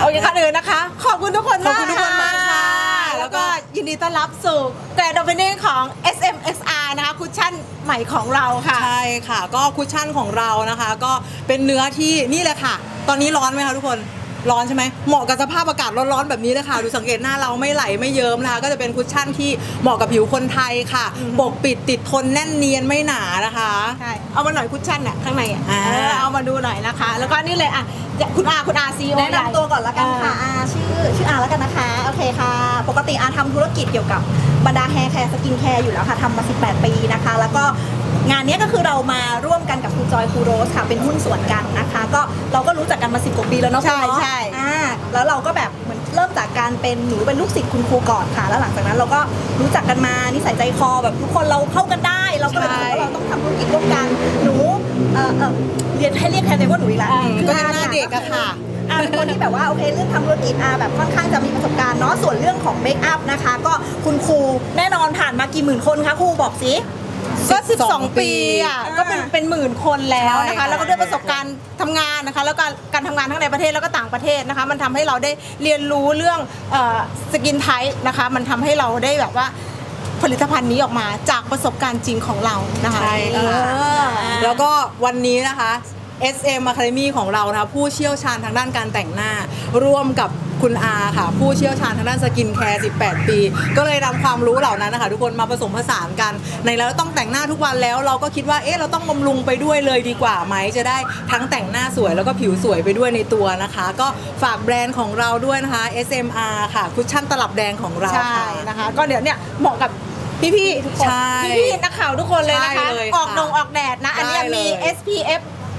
โอเคค่ะอื่นนะคะขอบคุณทุกคนมากขอบคุณทุกคนมากค่ะแล้วก็ยินดีต้อนรับสู่แกรนด์โอเพนนิ่งของ SMXR นะคะคุชชั่นใหม่ของเราค่ะใช่ค่ะก็คุชชั่นของเรานะคะก็เป็นเนื้อที่นี่เลยค่ะ ตอนนี้ร้อนไหมคะทุกคนร้อนใช่ไหมเหมาะกับสภาพอากาศร้อนๆแบบนี้เลยค่ะดูสังเกตหน้าเราไม่ไหลไม่เยิ้มนะคะก็จะเป็นคุชชั่นที่เหมาะกับผิวคนไทยค่ะปกปิดติดทนแน่นเนียนไม่หนานะคะใช่เอามาหน่อยคุชชั่นน่ะข้างในเอามาดูหน่อยนะคะแล้วก็นี่เลยอ่ะคุณอาซีโอแนะนำตัวก่อนละกันค่ะชื่ออาแล้วกันนะคะโอเคค่ะปกติอาทำธุรกิจเกี่ยวกับบรรดาแฮร์แคร์สกินแคร์อยู่แล้วค่ะทำมา18 ปีนะคะแล้วก็งานนี้ก็คือเรามาร่วมกันกับคุณจอยครูโรสค่ะเป็นหุ้นส่วนกันนะคะก็เราก็รู้จักกันมา10 กว่าปีแล้วเนาะใช่ใช่แล้วเราก็แบบเหมือนเริ่มจากการเป็นหนูเป็นลูกศิษย์คุณครูก่อนค่ะแล้วหลังจากนั้นเราก็รู้จักกันมานิสัยใจคอแบบทุกคนเราเข้ากันได้เราก็เลยรู้สึกว่าเราต้องทำธุรกิจร่วมกันหนูเรียกแทนเลยว่าหนูอีกแล้วก็ยังหน้าเด็กอะค่ะเป็นคนที่แบบว่าโอเคเรื่องทำธุรกิจแบบค่อนข้างจะมีประสบการณ์เนาะส่วนเรื่องของเมคอัพนะคะก็คุณครูแน่นอนผ่านมากี่หมื่นคนคะครูบอกสิก็12 ปีอ่ะก็เป็นหมื่นคนแล้วนะใช่ค่ะคะแล้วก็ด้วยประสบการณ์ทำงานนะคะแล้วก็การทำงานทั้งในประเทศแล้วก็ต่างประเทศนะคะมันทำให้เราได้เรียนรู้เรื่องสกินไทป์นะคะมันททำให้เราได้แบบว่าผลิตภัณฑ์นี้ออกมาจากประสบการณ์จริงของเรานะคะใช่ค่ะแล้วก็วันนี้นะคะ SM Academy ของเรานะคะผู้เชี่ยวชาญทางด้านการแต่งหน้าร่วมกับคุณอาค่ะผู้เชี่ยวชาญทางด้านสกินแคร์18 ปีก็เลยนำความรู้เหล่านั้นนะคะทุกคนมาผสมผสานกันในแล้วต้องแต่งหน้าทุกวันแล้วเราก็คิดว่าเราต้องบำรุงไปด้วยเลยดีกว่าไหมจะได้ทั้งแต่งหน้าสวยแล้วก็ผิวสวยไปด้วยในตัวนะคะก็ฝากแบรนด์ของเราด้วยนะคะ SMR ค่ะคุชชั่นตลับแดงของเราใช่นะคะก็เดี๋ยวเนี่ยเหมาะกับพี่ๆทุกคนใช่พี่ๆนักข่าวทุกคนเลยนะคะใช่เลยออกค่ะออกแดดนะอันนี้ได้เลยมี SPF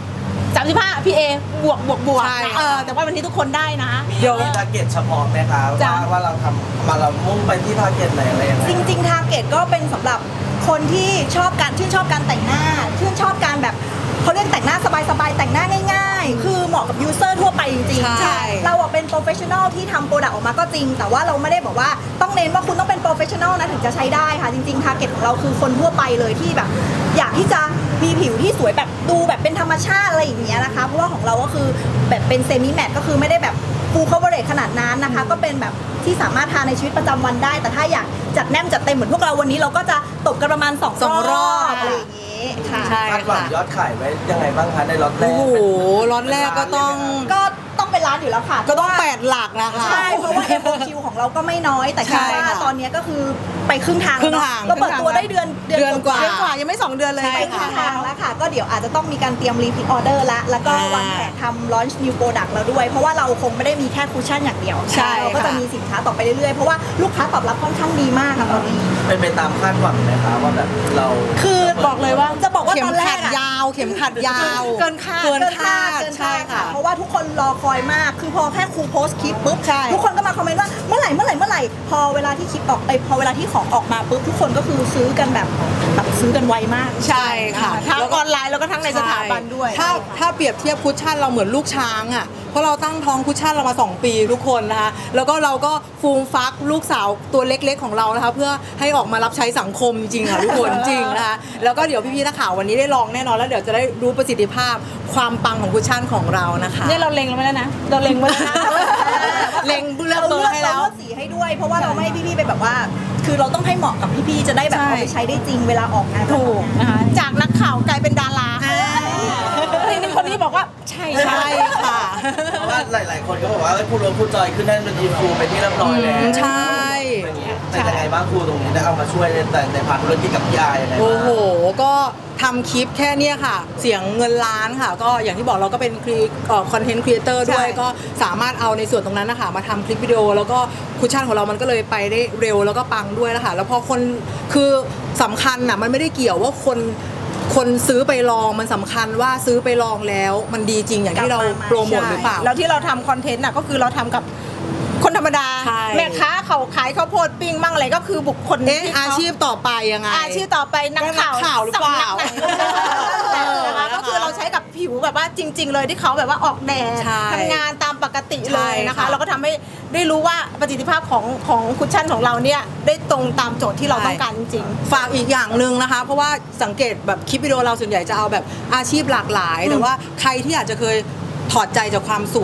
35 PA บวกใช่นะแต่ว่าวันนี้ทุกคนได้นะเดี๋ยวมีทาร์เก็ตเฉพาะไหมคะจ้ะว่าเราทำมาเรามุ่งไปที่ทาร์เก็ตไหนอะไรยังไงจริงๆทาร์เก็ตก็เป็นสำหรับคนที่ชื่นชอบการแต่งหน้าชื่นชอบการแบบเขาเรียกแต่งหน้าสบายๆแต่งหน้าง่ายๆคือเหมาะกับยูเซอร์ทั่วไปจริงๆใช่เราเป็นโปรเฟชชั่นอลที่ทำโปรดักต์ออกมาก็จริงแต่ว่าเราไม่ได้บอกว่าต้องเน้นว่าคุณต้องเป็นโปรเฟชชั่นอลนะถึงจะใช้ได้ค่ะจริงๆทาร์เก็ตของเราคือคนทั่วไปเลยที่แบบอยากที่จะมีผิวที่สวยแบบดูแบบเป็นธรรมชาติอะไรอย่างเงี้ยนะคะเพราะว่าของเราก็คือแบบเป็นเซมิแมตก็คือไม่ได้แบบฟูลคัฟเวอร์เรจขนาดนั้นนะคะก็เป็นแบบที่สามารถทาในชีวิตประจำวันได้แต่ถ้าอยากจัดแนมจัดเต็มเหมือนพวกเราวันนี้เราก็จะตบกันประมาณ2 สองรอบอะไรอย่างงี้ค่ะใช่คาดหวังค่ะยอดขายไว้ยังไงบ้างคะในล็อตแรโอ้กโหร้อนแรกก็ต้องก็ต้องเป็นร้านอยู่แล้วค่ะก็ต้อง8 หลักนะคะใช่เพราะว่า FOQ ของเราก็ไม่น้อยแต่คิดใช่ว่าค่ะตอนนี้ก็คือไปครึ่งทางครึ่งทางก็เปิดตัวได้เดือนกว่าเดือนกว่ายังไม่2 เดือนเลยใช่ไปครึ่งทางแล้วค่ะก็เดี๋ยวอาจจะต้องมีการเตรียมรีพิทออเดอร์ละแล้วก็วางแผนทำลอนช์นิวโปรดักต์แล้วด้วย เพราะว่าเราคงไม่ได้มีแค่คุชชั่นอย่างเดียวใช่เราก็จะค่ะมีสินค้าต่อไปเรื่อยๆเพราะว่าลูกค้าตอบรับค่อนข้างดีมากค่ะตอนนี้เป็นไปตามคาดหวังไหมคะว่าแบบเราคือบอกเลยว่าจะบอกว่าเข็ตมอนแรขักดอะยาวเข็มขัดยาวเกินคาดเกินคาดใช่ค่ะเพราะว่าทุกคนรอคอยมากคือพอแค่ครูโพสต์คลิปปุ๊บใช่ทุกคนก็มาคอมเมนต์ว่าเมื่อไหร่พอเวลาที่คลิปออกพอเวลาที่ของออกมาปุ๊บทุกคนก็คือซื้อกันแบบซื้อกันไวมากใช่ค่ะทั้งออนไลน์แล้วก็ทั้งในสถาบันด้วยถ้าเปรียบเทียบคุชชั่นเราเหมือนลูกช้างอ่ะเพราะเราตั้งท้องคุชชั่นเรามา2 ปีทุกคนนะคะแล้วก็เราก็ฟูมฟักลูกสาวตัวเล็กๆของเรานะคะเพื่อให้ออกมารับใช้สังคมจริงค่ะทุกคนจริงนะคะแล้วก็เดี๋ยวพี่ๆนักข่าววันนี้ได้ลองแน่นอนแล้วเดี๋ยวจะได้รู้ประสิทธิภาพความปังของคุชชั่นของเรานะคะเนี่ยเราเล็งไว้แล้วนะเราเล็งไว้แล้วนะเล็งเลือกเบอร์ให้แล้วเราเลือกสีให้ด้วย เพราะว่าเราไม่ให้พี่ๆไปแบบว่า คือเราต้องให้เหมาะกับพี่ๆจะได้แบบใช่เอาไปใช้ได้จริงเวลาออกงานถูกนะคะจากนักข่าวกลายเป็นดาราทีนี้คนนี้บอกว่าใช่ใช่ค่ะเพราะว่าหลาย ๆ คนก็บอกว่าครูโรสครูจอยขึ้นได้เป็นอินฟูเป็นที่เรียบร้อยแล้วใช่อย่างเงี้ยแต่ยังไงบ้างครูตรงนี้ได้เอามาช่วยในพาร์ทธุรกิจกับพี่อายังไงบ้างโอ้โห ก็ทำคลิปแค่เนี้ยค่ะ เสียงเงินล้านค่ะ ก็อย่างที่บอกเราก็เป็นคอนเทนต์ครีเอเตอร์ด้วย ก็สามารถเอาในส่วนตรงนั้นนะคะมาทำคลิปวิดีโอ แล้วก็คุชชั่นของเรามันก็เลยไปได้เร็วแล้วก็ปังด้วยนะคะแล้วพอคนคือสำคัญน่ะมันไม่ได้เกี่ยวว่าคนซื้อไปลองมันสำคัญว่าซื้อไปลองแล้วมันดีจริงอย่างที่เราโปรโมทหรือเปล่าแล้วที่เราทำคอนเทนต์น่ะก็คือเราทำกับคนธรรมดาใช่แม่ค้าเขาขายข้าวโพดปิ้งมั่งอะไรก็คือบุคคลที่เขอาชีพต่อไปยังไงอาชีพต่อไปนักข่าวนักข่าวหรือเปล่าสำนักไหนนะคะก็คือเราใช้กับผิวแบบว่าจริง ๆ เลยที่เขาแบบว่าออกแดดใช่ทำงานตามปกติเลยนะคะใช่ค่ะเราก็ทำให้ได้รู้ว่าประสิทธิภาพของคุชชั่นของเราเนี่ยได้ตรงตามโจทย์ที่เราต้องการจริงฝากอีกอย่างหนึ่งนะคะ เพราะว่าสังเกตแบบคลิปวิดีโอเราส่วนใหญ่จะเอาแบบอาชีพหลากหลาย แต่ว่าใครที่อาจจะเคยถอดใจจากความสวย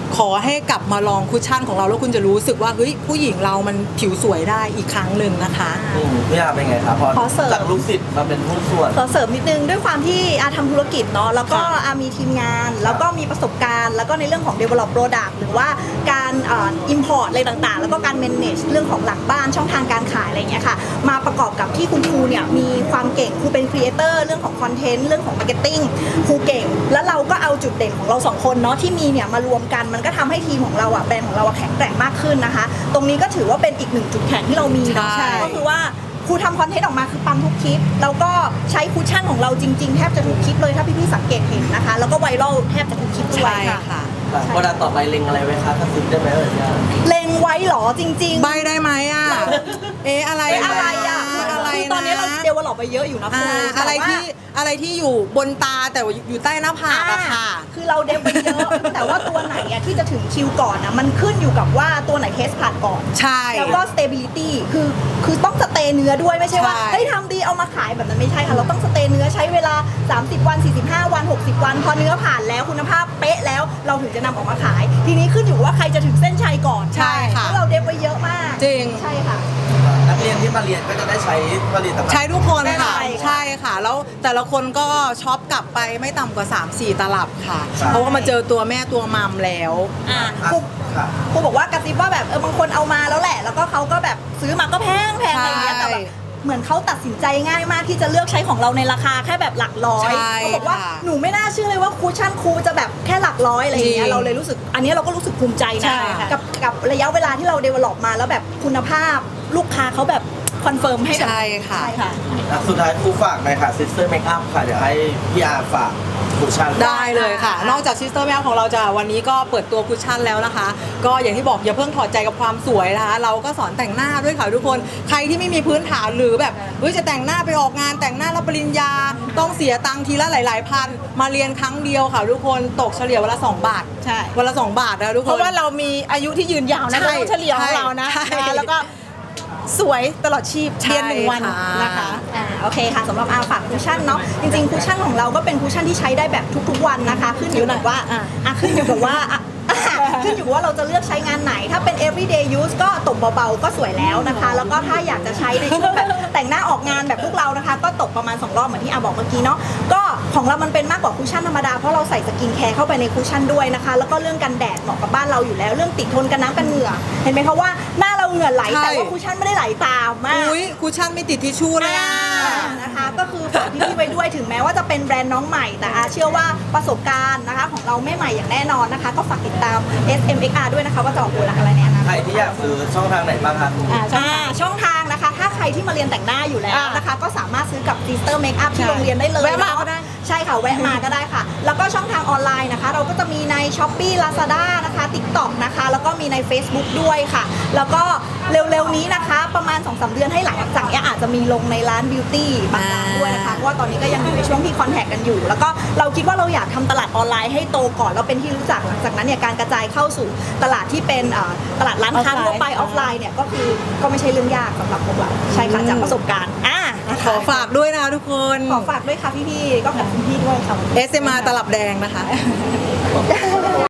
ขอให้กลับมาลองคุชชั่นของเราแล้วคุณจะรู้สึกว่าเฮ้ยผู้หญิงเรามันผิวสวยได้อีกครั้งหนึ่งนะคะพี่อาเป็นไงครับพอขอเสริมจากลูกศิษย์มาเป็นผู้นส่วนขอเสริมนิดนึงด้วยความที่อาทำธุรกิจเนาะแล้วก็อามีทีมงาน แล้วก็มีประสบการณ์ แล้วก็ในเรื่องของ develop product หรือว่าการimport อะไรต่างๆ แล้วก็การ manage เรื่องของหลังบ้านช่องทางการขายอะไรอย่างเงี้ยค่ะมาประกอบกับที่คุณครูเนี่ยมีความเก่งครูเป็น creator เรื่องของ content เรื่องของ marketing ครูเก่ง แล้วเราก็เอาจุดเด่นของเราสองคนเนาะที่มีเนี่ยมารวมกันมันก็ทำให้ทีมของเราแบรนด์ของเราแข็งแกร่งมากขึ้นนะคะ ตรงนี้ก็ถือว่าเป็นอีกหนึ่งจุดแข็งที่เรามีเนาะใช่ก็คือว่าครูทำคอนเทนต์ออกมาคือปังทุกคลิป แล้วก็ใช้คุชชั่นของเราจริงๆแทบจะทุกคลิปเลยถ้าพี่ๆสังเกตเห็นนะคะ แล้วก็ไวรัลแทบจะทุกคลิปด้วยใช่ค่ะโปรดักต์ต่อไปเล็งอะไรไว้คะกระซิบได้ไหมพี่อาเล็งไว้เหรอจริงๆใบได้ไหมอ่ะ อะไรอะไรอ่ะอะไรคือตอนนี้เราเดเวลลอปไปเยอะอยู่นะครูอะไรแต่ว่าที่อะไรที่อยู่บนตาแต่ว่าอยู่ใต้หน้าผากอะค่ะคือเราเดฟไปเยอะ แต่ว่าตัวไหนอะที่จะถึงคิวก่อนอะมันขึ้นอยู่กับว่าตัวไหนเทสผ่านก่อนใช่แล้วก็ stability คือต้องสเตย์เนื้อด้วยไม่ใช่ว่าใช่เฮ้ยทำดีเอามาขายแบบนั้นไม่ใช่ค่ะ เราต้องสเตย์เนื้อใช้เวลา 30 วัน 45 วัน 60 วัน พอเนื้อผ่านแล้วคุณภาพเป๊ะแล้วเราถึงจะนำออกมาขาย ทีนี้ขึ้นอยู่ว่าใครจะถึงเส้นชัยก่อนใช่ค่ะเพราะเราเดฟไปเยอะมากจริงใช่ค่ะนักเรียนที่มาเรียนก็จะได้ใช้ผลิตภัณฑ์ใช้ทุกคนค่ะใช่ค่ะใช่ค่ะ แล้วแต่ละคนก็ช็อปกลับไปไม่ต่ำกว่า 3-4 ตลับค่ะใช่เพราะว่ามาเจอตัวแม่ตัวมัมแล้วอ่ะอ่ะครูค่ะครูบอกว่ากระซิบว่าแบบบางคนเอามาแล้วแหละ แล้วก็เขาก็แบบซื้อมาก็แพงอะไรอย่างเงี้ยใช่แต่แบบเหมือนเขาตัดสินใจง่ายมากที่จะเลือกใช้ของเราในราคาแค่แบบหลักร้อยใช่เขาบอกว่าค่ะหนูไม่น่าเชื่อเลยว่าคูชั่นครูจะแบบแค่หลักร้อยอะไรอย่างเงี้จริยงเราเลยรู้สึกอันนี้เราก็รู้สึกภูมิใจใช่นะค่ะกับระยะเวลาที่เราเดเวลลอปมาแล้วแบบคุณภาพลูกค้าเขาแบบคอนเฟิร์มให้แบบใช่ค่ะใช่ค่ะอ่ะสุดท้ายครูฝากหน่อยค่ะ Sister Makeup ค่ะ เดี๋ยวให้พี่อาฝากคุชชั่นได้เลยค่ะ นอกจากซิสเตอร์แมวของเราจะวันนี้ก็เปิดตัวคุชชั่นแล้วนะคะ ก็อย่างที่บอกอย่าเพิ่งถอดใจกับความสวยนะคะ เราก็สอนแต่งหน้าด้วยค่ะทุกคน ใครที่ไม่มีพื้นฐานหรือแบบเฮ้ยจะแต่งหน้าไปออกงานแต่งหน้ารับปริญญา ต้องเสียตังค์ทีละหลายๆพัน มาเรียนครั้งเดียวค่ะทุกคนตกเฉลี่ยวันละ2 บาทใช่วันละ2 บาทนะทุกคนเพราะว่าเรามีอายุที่ยืนยาวนะใช่ต้องเฉลี่ยของเรานะใช่นะคะแล้วก็สวยตลอดชีพใช่เรียน1 วันค่ะนะคะโอเคค่ะสำหรับอาฝากคุชชั่นเนาะจริงๆคุชชั่นของเราก็เป็นคุชชั่นที่ใช้ได้แบบทุกๆวันนะคะ ขึ้นอยู่กับว่า ขึ้นอยู่กับว่าขึ้นอยู่ว่าเราจะเลือกใช้งานไหน ถ้าเป็น everyday use ก็ตบเบาๆก็สวยแล้วนะคะ แล้วก็ถ้าอยากจะใช้ในช่วงแบบแต่งหน้าออกงานแบบพวกเรานะคะ ก็ตบประมาณ2 รอบเหมือนที่อาบอกเมื่อกี้เนาะก็ของเรามันเป็นมากกว่าคุชชั่นธรรมดาเพราะเราใส่สกินแคร์เข้าไปในคุชชั่นด้วยนะคะ แล้วก็เรื่องกันแดดเหมาะกับบ้านเราอยู่แล้วเรื่องติดทนกันน้ำกันเหงื่อเห็นไหมคะว่าหน้าเราเหงื่อไหลใช่แต่ว่าคุชชั่นไม่ได้ไหลตามมากอุ้ยคุชชั่นไม่ติดทิชชู่เลยอะนะคะก็คือฝากพี่ๆไว้ด้วยถึงแม้ว่าจะเป็นแบรนด์น้องใหม่แต่อาเชื่อว่าประสบการณ์นะคะของเราไม่ใหม่อย่างแน่นอนนะคะ ก็ฝากติดตาม SMXR ด้วยนะคะว่าจะออกโปรดักต์อะไรในอนาคตใครที่อยากซื้อช่องทางไหนบ้างคะช่องทางนะคะ ถ้าใครที่มาเรียนแต่งหน้าอยู่แล้วนะคะ ก็สามารถซื้อกับ Sister Makeup ที่โรงเรียนได้เลยแวะมาก็ได้ใช่ค่ะแวะมาก็ได้ค่ะ แล้วก็ช่องทางออนไลน์นะคะ เราก็จะมีใน Shopee Lazada นะคะ TikTok นะคะ แล้วก็มีใน Facebook ด้วยค่ะ แล้วก็เร็วๆนี้นะคะ ประมาณ 2-3 เดือนให้หลังจากนี้อาจจะมีลงในร้านบิวตี้บางร้านด้วยนะคะเพราะว่าตอนนี้ก็ยังอยู่ในช่วงที่คอนแทคกันอยู่ แล้วก็เราคิดว่าเราอยากทำตลาดออนไลน์ให้โตก่อนแล้วเป็นที่รู้จักหลังจากนั้นเนี่ยการกระจายเข้าสู่ตลาดที่เป็นตลาดร้านค้าทั่วไปออฟไลน์เนี่ยก็คือก็ไม่ใช่เรื่องยากสำหรับพวกเราใช่ค่ะจากประสบการณ์นะคะขอฝากด้วยนะคะทุกคนขอฝากด้วยค่ะพี่ๆก็ขอบคุณพี่ด้วยค่ะ SMR ตลับแดงนะคะ